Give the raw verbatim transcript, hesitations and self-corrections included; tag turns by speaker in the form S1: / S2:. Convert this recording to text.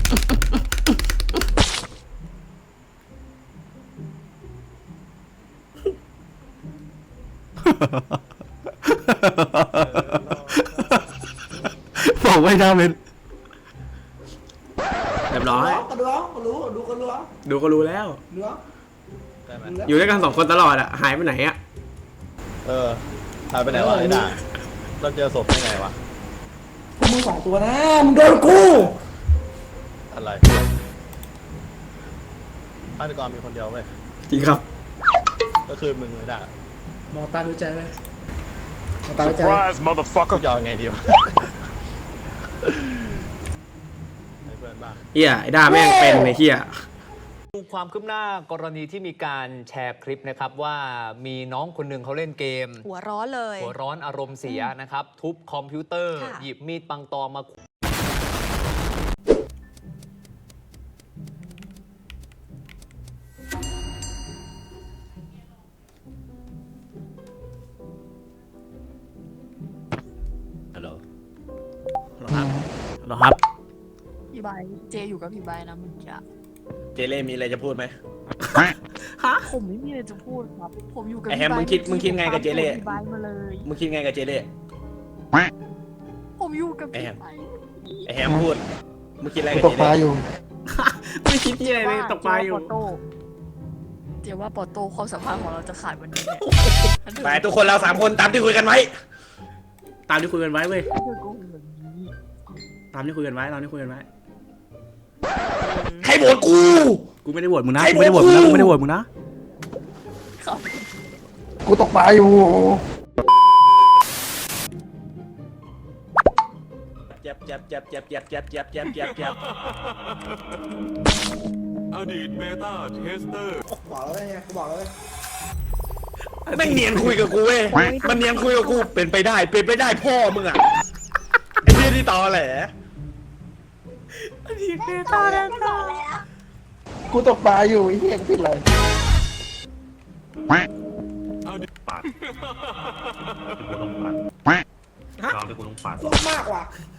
S1: บอกไม่ได้เป็นเรียบร้อย
S2: ก็ดูก็รู้ดูก็รู้
S1: ดูก็รู้แล้ว
S2: ดู
S1: อยู่ด้วยกันสองคนตลอดอะหายไปไหนอะ
S3: เออหายไปไหนวะไอ้ด่าเราเจอศพได้ไงวะ
S2: พวกมึงสองตัวนะมึงโดนกู
S3: อะไรฆาตกรมีคนเดียวเว้ย
S1: จริงครับ
S3: ก็คือมึงไอ้ด่าม
S2: องตาดูใจเลยมองตาดูใจ
S4: Surprise, motherfucker.
S3: ยอมไงดีวะให้เพื่อนบ้าง
S1: เฮียไอ้ด้าแม่งเป็นไอ้เฮีย
S5: ดูความคืบหน้ากรณีที่มีการแชร์คลิปนะครับว่ามีน้องคนหนึ่งเขาเล่นเกม
S6: หัวร้อนเลย
S5: หัวร้อนอารมณ์เสียนะครับ ทุบคอมพิวเตอร์
S6: ค่ะ
S5: หยิบมีดปังตอมา
S1: ฮัลโหลฮัลโหลครับฮัลโหลครับ
S7: พี่ใบเจอยู่กับพี่ใบนะเมึงจะ
S3: เจเล่มีอะไรจะพูดไหม
S1: ฮะ
S7: ผมไม่มีอะไรจะพูดครับ ผมอยู่กับ
S3: ไอ้
S7: พี่
S3: แฮม
S7: ใบ
S3: มึงคิดมึงคิดไงกับเจเล่
S7: พี่ใบมาเลย
S3: มึงคิดไงกับเจเล่
S7: ผมอยู่กับพี่
S3: ไอ้แฮม
S7: ใบ
S3: ไอ้แฮมพูดมึงคิดอะไร
S2: กู
S3: กับ
S2: ต
S3: เจ
S2: กปลา
S3: เล่
S2: อยู่
S1: ไม่คิดที่อะไรเลยตกปลาอยู่
S7: เจว่าปอโต้ความสัมพันธ์ของเราจะขาดวันนี้เนี่ย
S3: ไปทุกคนเราสามคนตามที่คุยกันไว้
S1: ตามที่คุยกันไว้เว้ย
S7: เธอโกหกแบบนี้
S1: ตามที่คุยกันไว้ตามที่คุยกันไว้
S3: ใครโหวตกู
S1: กูไม่ได้โหวตมึงนะ
S3: ใคร
S1: กูไม่ได้โหวตมึงนะ
S3: โหวตกู
S1: กูไม่ได้โหวตมึงนะ
S7: ครับ
S2: กูตกปลาอยู่
S3: เจ็บเจ็บเจ็บเจ็บเจ็บเจ็บเจ็บเจ็บเจ็บเจ็บ
S4: อดีตเบต้าเทสเตอร์
S2: บอกแล้วไงกูบอกแล้ว
S3: แม่งเนียนคุยกับกูเว้ยมันเนียนคุยกับกูเป็นไปได้เป็นไปได้พ่อมึงอะไอ้เหี้ยที่ตอแหล
S2: กูตกปลาอยู่ไอ้เหี้ยกูผิดอะไร
S4: อดีตปัดกูต้องปัดตอนที่กูต้องปัด
S2: ลงมากว่ะ